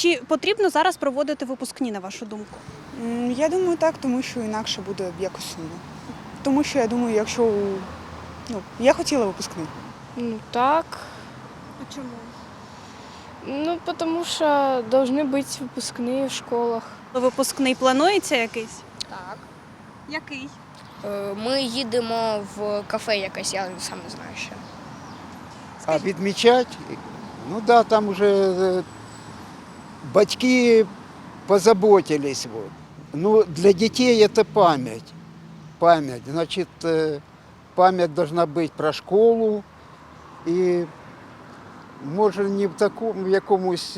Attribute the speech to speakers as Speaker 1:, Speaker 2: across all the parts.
Speaker 1: Чи потрібно зараз проводити випускні, на вашу думку?
Speaker 2: Я думаю, так, тому що інакше буде якось сумно. Тому що я думаю, якщо я хотіла випускний.
Speaker 3: Ну так.
Speaker 1: А чому?
Speaker 3: Ну, тому що повинні бути випускні в школах.
Speaker 1: Випускний планується якийсь?
Speaker 4: Так.
Speaker 1: Який?
Speaker 4: Ми їдемо в кафе якесь, я сам не знаю ще.
Speaker 5: А відмічати? Ну да, там уже батьки позаботились. Вот. Ну, для детей это память. Память. Значит, память должна быть про школу. И може не в такому якомусь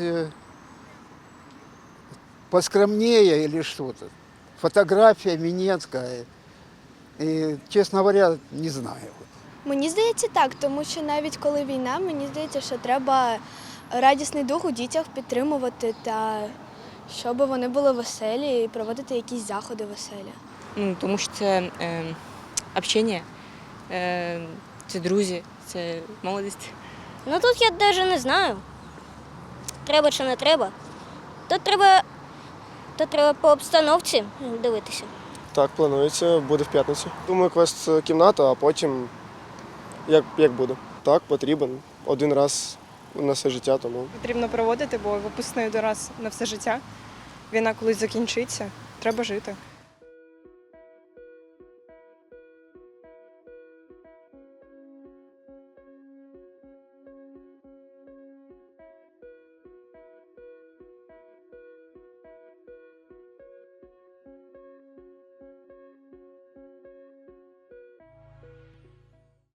Speaker 5: поскромнее или что-то. Фотографія Мінецька. І, чесно говоря, не знаю.
Speaker 6: Мені здається так, тому що навіть коли війна, мені здається, що треба радісний дух у дітях підтримувати та щоб вони були веселі і проводити якісь заходи веселі.
Speaker 7: Ну, тому що це общення, це друзі, це молодість.
Speaker 8: Ну тут я навіть не знаю, треба чи не треба. Тут треба по обстановці дивитися.
Speaker 9: Так, планується, буде в п'ятницю. Думаю, квест-кімната, а потім як буде. Так, потрібен. Один раз на все життя, тому.
Speaker 3: Потрібно проводити, бо випускний один раз на все життя. Війна колись закінчиться, треба жити.